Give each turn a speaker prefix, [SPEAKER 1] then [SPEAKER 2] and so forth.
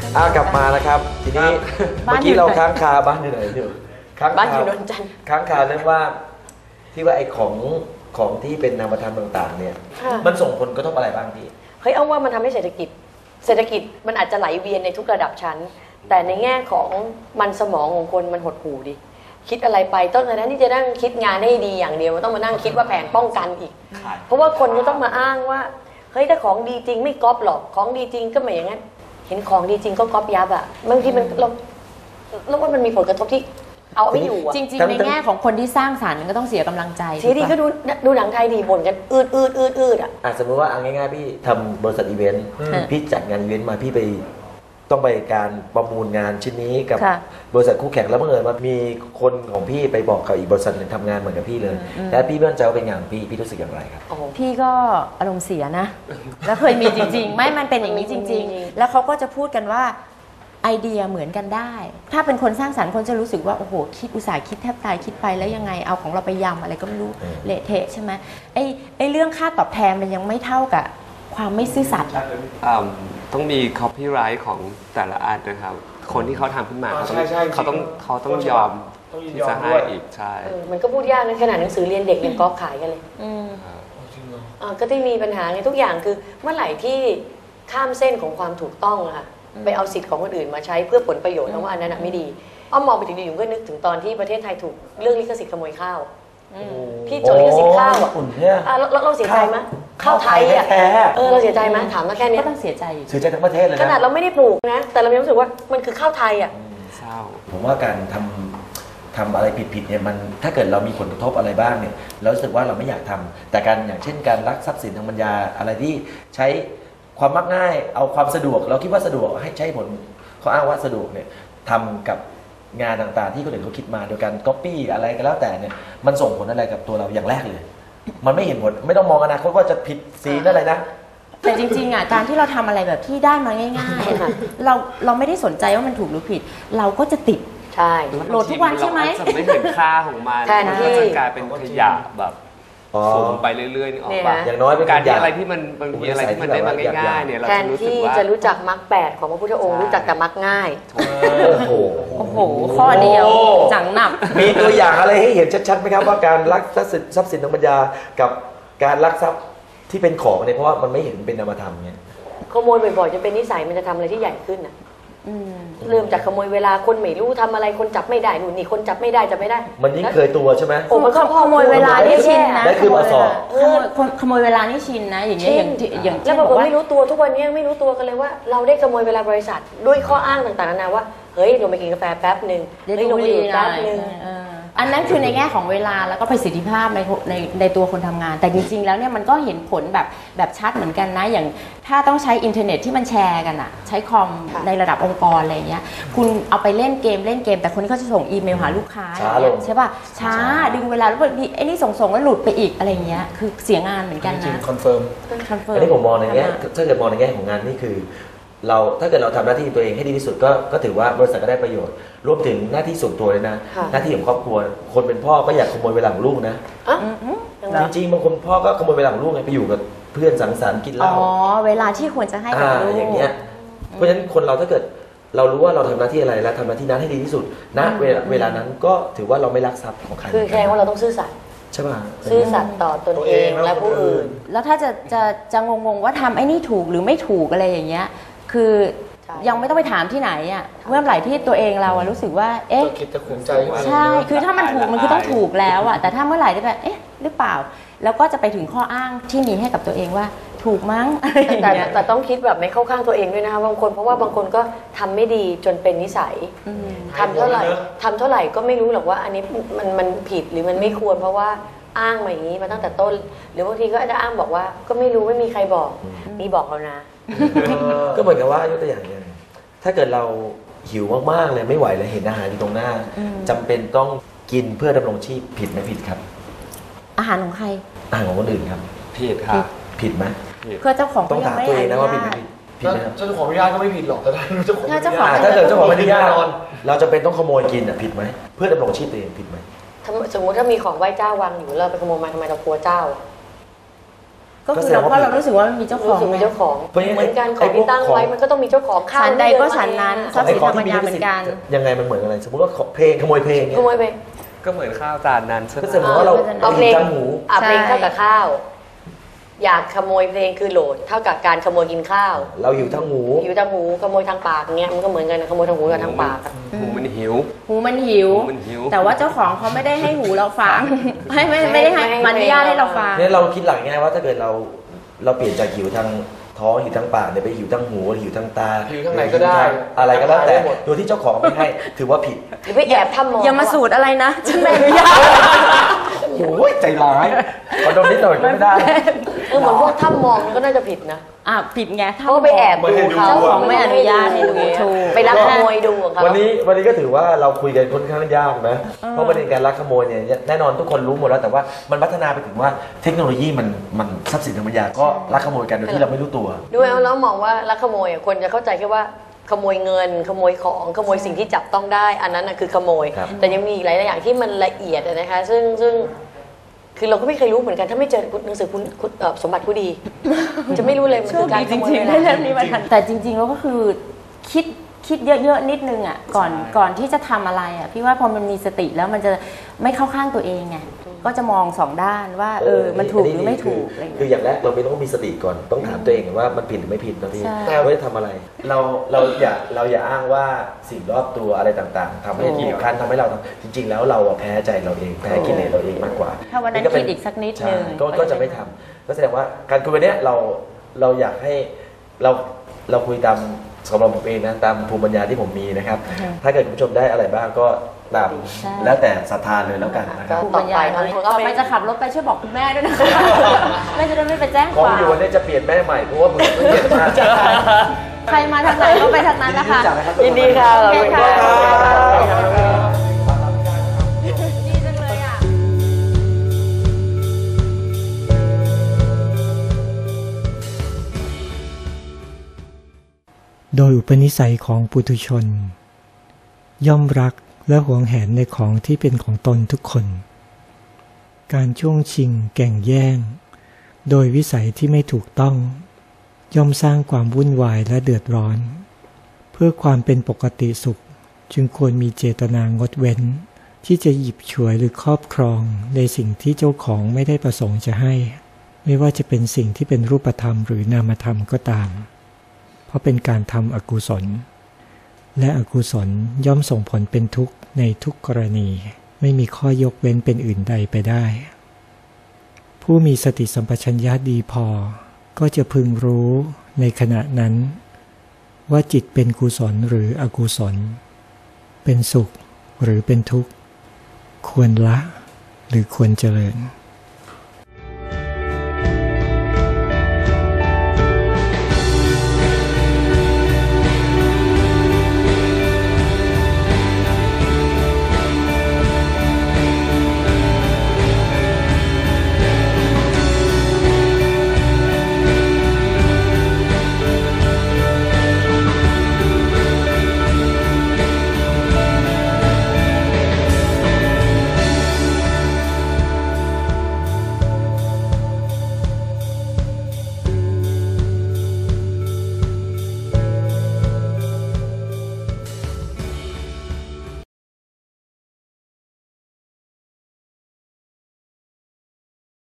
[SPEAKER 1] กลับมานะครับทีนี้เมื่อกี้เราค้างคาบ้านอยู่ไหนอยู่
[SPEAKER 2] บ้านอยู่นนจันทร์
[SPEAKER 1] ค้างคาเรื่องว่าที่ว่าไอ้ของที่เป็นนามธรรมต่างๆเนี่ยมันส่งผลกระทบอะไรบ้างพี่
[SPEAKER 2] เฮ้ยเอาว่ามันทำให้เศรษฐกิจมันอาจจะไหลเวียนในทุกระดับชั้นแต่ในแง่ของมันสมองของคนมันหดหู่ดิคิดอะไรไปต้นแต่นั้นที่จะนั่งคิดงานให้ดีอย่างเดียวมันต้องมานั่งคิดว่าแผนป้องกันอีกเพราะว่าคนก็ต้องมาอ้างว่าเฮ้ยถ้าของดีจริงไม่ก๊อปหรอกของดีจริงก็ไม่อย่างนั้นเห็นของดีจริงก็ก๊อปยับอ่ะบางทีมันเราว่ามันมีผลกระทบที่เอาไม่อยู่อ่ะ
[SPEAKER 3] จริงๆในแง่ของคนที่สร้างสรรค์ก็ต้องเสียกำลังใจ
[SPEAKER 2] ทีนี้ก็ดูหนังไทยดีบ่นกันอืดอ่ะ
[SPEAKER 1] สมมติว่าเอาง่ายๆพี่ทำบริษัทอีเวนต์พี่จัดงานอีเวนต์มาพี่ไปต้องไปการประมูลงานชิ้นนี้กับบริษัทคู่แข่งแล้วบังเอิญว่ามีคนของพี่ไปบอกกับอีกบริษัทหนึ่งทำงานเหมือนกับพี่เลยแล้วพี่มั่นใจว่าเป็นงานพี่รู้สึกอย่างไรครับ
[SPEAKER 3] พี่ก็อารมณ์เสียนะแล้วเคยมีจริงๆไม่มันเป็นอย่างนี้จริงๆแล้วเขาก็จะพูดกันว่าไอเดียเหมือนกันได้ถ้าเป็นคนสร้างสรรค์คนจะรู้สึกว่าโอ้โหคิดอุตส่าห์คิดแทบตายคิดไปแล้วยังไงเอาของเราไปยำอะไรก็ไม่รู้เละเทะใช่ไหมไอเรื่องค่าตอบแทนมันยังไม่เท่ากับความไม่ซื่อสัตย์
[SPEAKER 4] ต้องมี copyright ของแต่ละอันนะครับคนที่เขาทำขึ้นมาเขาต้องยอมที่จะให้อีกใช่
[SPEAKER 2] มันก็พูดยากนะขนาดหนังสือเรียนเด็กยังก๊อปขายกันเลยก็ที่มีปัญหาไงทุกอย่างคือเมื่อไหร่ที่ข้ามเส้นของความถูกต้องอะค่ะไปเอาสิทธิ์ของคนอื่นมาใช้เพื่อผลประโยชน์แล้วว่าอันนั้นไม่ดีอ้อมมองไปถึงดีอยู่ก็นึกถึงตอนที่ประเทศไทยถูกเรื่องลิขสิทธิ์ขโมยข้าวพี่โจทย์ลิขสิทธิ์ข้าวอ่ะเราเสียใจไหมข้าวไทยอ่ะเราเสียใจไหมถามมาแค่นี้
[SPEAKER 3] ก็ต้องเสียใจ
[SPEAKER 1] ทั้งประเทศเลยนะ
[SPEAKER 2] ขนาดเราไม่ได้ปลูกนะแต่เรามีรู้สึกว่ามันคือข้าวไทยอ่ะ
[SPEAKER 1] เศร้าผมว่าการทำอะไรผิดเนี่ยมันถ้าเกิดเรามีผลกระทบอะไรบ้างเนี่ยเรารู้สึกว่าเราไม่อยากทำแต่การอย่างเช่นการลักทรัพย์สินทางปัญญาอะไรที่ใช้ความมักง่ายเอาความสะดวกเราคิดว่าสะดวกให้ใช้ผลเขาอ้างว่าสะดวกเนี่ยทำกับงานต่างๆที่คนอื่นเขาคิดมาโดยการก๊อปปี้อะไรก็แล้วแต่เนี่ยมันส่งผลอะไรกับตัวเราอย่างแรกเลยมันไม่เห็นผลไม่ต้องมองอนาคตว่าจะผิดสีอะไรนะ
[SPEAKER 3] แต่จริงๆอ่ะการที่เราทำอะไรแบบที่ได้มาง่ายๆค่ะเราไม่ได้สนใจว่ามันถูกหรือผิดเราก็จะติด
[SPEAKER 2] ใช่
[SPEAKER 3] โหลดทุกวันใช่ไหม
[SPEAKER 4] จะไม่เห็นค่าของมันมันก็จะกลายเป็นขยะแบบสูงไปเรื่อยๆนี่ออกป่ะ
[SPEAKER 1] อย่างน้อยเป็น
[SPEAKER 4] การที่อะไรที่มันมีอะไรที่มันได้มาง่ายๆเนี่ยเราจะรู้สึกว่า
[SPEAKER 2] แทนที่จะรู้จักมรรค8ของพระพุทธองค์รู้จักแต่มรรคง่าย
[SPEAKER 1] โอ้โห
[SPEAKER 3] ข้อเดียวจังหนับ
[SPEAKER 1] มีตัวอย่างอะไรให้เห็นชัดๆไหมครับว่าการลักทรัพย์สินทางปัญญากับการลักทรัพย์ที่เป็นของเนี่ยเพราะว่ามันไม่เห็นเป็นนามธรรมเนี่ย
[SPEAKER 2] ขโมยบ่อยๆจะเป็นนิสัยมันจะทำอะไรที่ใหญ่ขึ้นอ่ะเริ่มจากขโมยเวลาคนไม่รู้ทำอะไรคนจับไม่ได้หนูนี่คนจับไม่ได้ไม่ได้
[SPEAKER 1] มันยิ่งเคยตัวใช่ไหม
[SPEAKER 3] โอ้มันขโมยเวลานี่ชินนะ
[SPEAKER 1] ได้คือมาสอบ
[SPEAKER 3] ขโมยเวลานี่ชินนะอย่างเงี้ยอย่าง
[SPEAKER 2] แล้วบางคนไม่รู้ตัวทุกวันนี้ไม่รู้ตัวกันเลยว่าเราได้ขโมยเวลาบริษัทด้วยข้ออ้างต่างๆนานาว่าเฮ้ยลงไปกินกาแฟแป๊บนึงเฮ้ยลงไปดื่มแป๊บนึง
[SPEAKER 3] อันนั้นคือในแง่ของเวลาแล้วก็ประสิทธิภาพในตัวคนทำงานแต่จริงๆแล้วเนี่ยมันก็เห็นผลแบบชัดเหมือนกันนะอย่างถ้าต้องใช้อินเทอร์เน็ตที่มันแชร์กันอะใช้คอมในระดับองค์กรอะไรเงี้ยคุณเอาไปเล่นเกมแต่คนที่เขาจะส่งอีเมลหาลูกค้าใช่ป่ะช้าดึงเวลาแล้วบางทีไอ้นี่ส่งแล้วหลุดไปอีกอะไรเงี้ยคือเสียงานเหมือนกันนะ
[SPEAKER 1] คอนเฟิร์มอันนี้ผมมองในแง่ถ้าเกิดมองในแง่ของงานนี่คือเราถ้าเกิดเราทำหน้าที่ตัวเองให้ดีที่สุดก็ถือว่าบริษัทก็ได้ประโยชน์รวมถึงหน้าที่ส่วนตัวเลยนะหน้าที่ของครอบครัวคนเป็นพ่อก็อยากขโมยเวลาของลูกนะจริงๆบางคนพ่อก็ขโมยเวลาของลูกไงไปอยู่กับเพื่อนสังสรรค์กินเหล้า
[SPEAKER 3] เวลาที่ควรจะให้กับลูก
[SPEAKER 1] อย่างเงี้ยเพราะฉะนั้นคนเราถ้าเกิดเรารู้ว่าเราทำหน้าที่อะไรและทำหน้าที่นั้นให้ดีที่สุดณเวลานั้นก็ถือว่าเราไม่ลักทรัพย์ของใคร
[SPEAKER 2] คือแค่ว่าเราต้องซื่อสัตย์
[SPEAKER 1] ใช่ป่ะ
[SPEAKER 2] ซื่อสัตย์ต่อตนเองและผู้อื่น
[SPEAKER 3] แล้วถ้าจะงงว่าทำไอ้นี่ถูกหรือไม่ถูกอะไรอย่างเงี้ยคือยังไม่ต้องไปถามที่ไหนอ่ะเมื่อไหร่ที่ตัวเองเรารู้สึกว่าเอ๊ะ
[SPEAKER 1] คิดจะขุนใจ
[SPEAKER 3] ใช่คือถ้ามันถูกมันคือต้องถูกแล้วอ่ะแต่ถ้าเมื่อไหร่ที่แบบเอ๊ะหรือเปล่าแล้วก็จะไปถึงข้ออ้างที่มีให้กับตัวเองว่าถูกมั้ง
[SPEAKER 2] แต่ต้องคิดแบบไม่เข้าข้างตัวเองด้วยนะคะบางคนเพราะว่าบางคนก็ทำไม่ดีจนเป็นนิสัยทำเท่าไหร่ก็ไม่รู้หรอกว่าอันนี้มันผิดหรือมันไม่ควรเพราะว่าอ้างมาอย่างนี้มาตั้งแต่ต้นหรือบางทีก็จะอ้างบอกว่าก็ไม่รู้ไม่มีใครบอกมีบอกแล้วนะ
[SPEAKER 1] ก็เหมือนกับว่ายกตัวอย่างเนี่ยถ้าเกิดเราหิวมากๆเลยไม่ไหวเลยเห็นอาหารอยู่ตรงหน้าจำเป็นต้องกินเพื่อดำรงชีพผิดไหมผิดครับ
[SPEAKER 3] อาหารของใคร
[SPEAKER 1] อาหารของคนอื่นครับ
[SPEAKER 4] ผิดครับ
[SPEAKER 1] ผิดไหม
[SPEAKER 3] เพื่อเจ้าของ
[SPEAKER 1] ต้องถามตัวเองนะว่าผิดไหมผิดไหมครับ
[SPEAKER 5] เจ้าของอนุญาตก็ไม่ผิดหรอกแต่ถ้าเจ้าของ
[SPEAKER 1] ถ้าเกิดเจ้าของอนุญาตเราจะเป็นต้องขโมยกินผิดไหมเพื่อดำรงชีพตัวเองผิดไหม
[SPEAKER 2] สมมติถ้ามีของไหว้เจ้าวางอยู่เราไปขโมยมาทำไมเรากลัวเจ้า
[SPEAKER 3] ก็คือเพราะเรารู้สึกว่ามันมีเจ้าข
[SPEAKER 2] รู้
[SPEAKER 3] อง
[SPEAKER 2] สึกมีเจ้าของ
[SPEAKER 1] เพราะฉะนั้น
[SPEAKER 2] เหมือนกันข
[SPEAKER 1] ไอ้
[SPEAKER 2] อง
[SPEAKER 1] พว
[SPEAKER 2] ที่
[SPEAKER 1] ก
[SPEAKER 2] ตั้งไว้
[SPEAKER 1] ของ
[SPEAKER 2] มันก็ต้องมีเจ้าของข้าว
[SPEAKER 3] ฉันใดก็ฉันนั้นทรัพย์สินธรรมญาเหมือนกัน
[SPEAKER 1] ยังไงมันเหมือนอะไรสมมติว่าเพลงขโมยเพลงเนี่ย
[SPEAKER 2] ขโมยไป
[SPEAKER 4] ก็เหมือนข้าวจานนั้นใช่ไหม
[SPEAKER 1] ก็แสดงว่าเรา
[SPEAKER 2] เอาเพลง
[SPEAKER 1] ตั้งหู
[SPEAKER 2] เพลงเท่ากับข้าว อยากขโมยเพลงคือโหลดเท่ากับการขโมยกินข้าว
[SPEAKER 1] เราหิวทั้งหู
[SPEAKER 2] อยู่ทางหูขโมยทางปากเงี้ยมันก็เหมือนกันนะขโมยทางหูกับทางปากอะ
[SPEAKER 4] หูมันหิว
[SPEAKER 3] หูมันหิว
[SPEAKER 4] หูมันหิว
[SPEAKER 3] แต่ว่าเจ้าของเขาไม่ได้ให้หูเราฟัง ไม่ได้ให้มันอนุญาตให้เราฟัง
[SPEAKER 1] เนี่ยเราคิดหลังง่ายว่าถ้าเกิดเราเปลี่ยนจากหิวทางท้องหิวทางปากเนี่ยไปหิวทางหูหิวทางตา
[SPEAKER 5] หิวทางไหนก็ได้
[SPEAKER 1] อะไรก็แล้วแต่
[SPEAKER 5] ได้หมด
[SPEAKER 1] โดยที่เจ้าของไม่ให้ถือว่าผิด
[SPEAKER 2] หรือไปแอบทำมอง
[SPEAKER 3] อย่ามาสูตรอะไรนะฉันไม่อนุญาต
[SPEAKER 1] โอ้ยใจร้ายขอโดนนิดหน่อยก็ไม่ได้
[SPEAKER 2] เหมือนพวกถ้ำมองมันก็น่าจะผิดนะ
[SPEAKER 3] ผิดไง
[SPEAKER 2] เขาก็ไปแอบดูเขา
[SPEAKER 3] เจ้าของไม่อนุญาตให้ดูถูก
[SPEAKER 2] ไปลักขโมยดูของเขา
[SPEAKER 1] วันนี้ก็ถือว่าเราคุยกันค่อนข้างยากนะเพราะประเด็นการลักขโมยเนี่ยแน่นอนทุกคนรู้หมดแล้วแต่ว่ามันพัฒนาไปถึงว่าเทคโนโลยีมันทรัพย์สินทางปัญญาก็ลักขโมยกันโดยที่เราไม่รู้ตัว
[SPEAKER 2] ด้วยแล้วมองว่าลักขโมยคนจะเข้าใจแค่ว่าขโมยเงินขโมยของขโมยสิ่งที่จับต้องได้ อันนั้นน่ะคือขโมย
[SPEAKER 1] ครับ
[SPEAKER 2] แต่ยังมีอีกหลายๆอย่างที่มันละเอียดอะนะคะซึ่งคือเราก็ไม่เคยรู้เหมือนกันถ้าไม่เจอหนังสือคุณสมบัติผู้ดี จะไม่รู้เลยมัน
[SPEAKER 3] โช
[SPEAKER 2] คื
[SPEAKER 3] ค
[SPEAKER 2] อการ
[SPEAKER 3] ดี
[SPEAKER 2] ข
[SPEAKER 3] จ
[SPEAKER 2] โมย
[SPEAKER 3] ริง
[SPEAKER 2] เว
[SPEAKER 3] ๆ
[SPEAKER 2] ลา
[SPEAKER 3] ได้เล่มนี้มาทันแต่จริงๆแล้วก็คือคิดเยอะๆนิดนึงอ่ะก่อนที่จะทำอะไรอ่ะพี่ว่าพอมันมีสติแล้วมันจะไม่เข้าข้างตัวเองไงก็จะมองสองด้านว่ามันถูกหรือไม่ถูกอะไรอย่าง
[SPEAKER 1] คือ
[SPEAKER 3] เงี้ย
[SPEAKER 1] อย่างแรกเราไม่ต้องมีสติก่อนต้องถามตัวเองว่ามันผิดหรือไม่ผิดนะพี่
[SPEAKER 3] ใช่
[SPEAKER 1] ว่าจะทำอะไร เราอย่าอ้างว่าสิ่งรอบตัวอะไรต่างๆทำให้บีบคั้นทำให้เราจริง ๆ แล้วเราแพ้ใจเราเองแพ้กิเลสเราเองมากกว่า
[SPEAKER 3] ถ้าวันนั้น
[SPEAKER 1] ก็เป็
[SPEAKER 3] คิดอีกสักนิด
[SPEAKER 1] ใช่
[SPEAKER 3] นึง
[SPEAKER 1] ก็จะไม่ทำก็แสดงว่าการคุยวันเนี้ยเราอยากให้เราคุยตามสำหรับผมเองนะตามภูมิปัญญาที่ผมมีนะครับ ถ้าเกิดคุณผู้ชมได้อะไรบ้างก็ตาม
[SPEAKER 3] ใช่
[SPEAKER 1] แล้วแต่ศรัทธาเลยแล้วกันนะครับ
[SPEAKER 3] ภูมิปัญญาต่อไปจะขับรถไปช่วยบอกคุณแม่ด้วยนะคะ แม่จะได้ไม่ไปแจ้ง
[SPEAKER 1] ขอ
[SPEAKER 3] ค
[SPEAKER 1] ง
[SPEAKER 3] วาม
[SPEAKER 1] อยู่วันนี้จะเปลี่ยนแม่ใหม่เพราะว่ามือไม่เปลี่ยนมาก
[SPEAKER 3] ใครมาทางไหนก็ไปทางนั้นนะคะ
[SPEAKER 2] ยินดีค่ะขอบคุณค่ะ
[SPEAKER 3] ดีจังเลยอ่ะ
[SPEAKER 6] โดยอุปนิสัยของปุถุชน ย่อมรักและหวงแหนในของที่เป็นของตนทุกคน การช่วงชิงแก่งแย่ง โดยวิสัยที่ไม่ถูกต้อง ย่อมสร้างความวุ่นวายและเดือดร้อน เพื่อความเป็นปกติสุขจึงควรมีเจตนางดเว้น ที่จะหยิบฉวยหรือครอบครองในสิ่งที่เจ้าของไม่ได้ประสงค์จะให้ ไม่ว่าจะเป็นสิ่งที่เป็นรูปธรรมหรือนามธรรมก็ตาม เพราะเป็นการทำอกุศล และอกุศลย่อมส่งผลเป็นทุกข์ในทุกกรณี ไม่มีข้อยกเว้นเป็นอื่นใดไปได้ ผู้มีสติสัมปชัญญะดีพอก็จะพึงรู้ในขณะนั้น ว่าจิตเป็นกุศลหรืออกุศล เป็นสุขหรือเป็นทุกข์ ควรละหรือควรเจริญ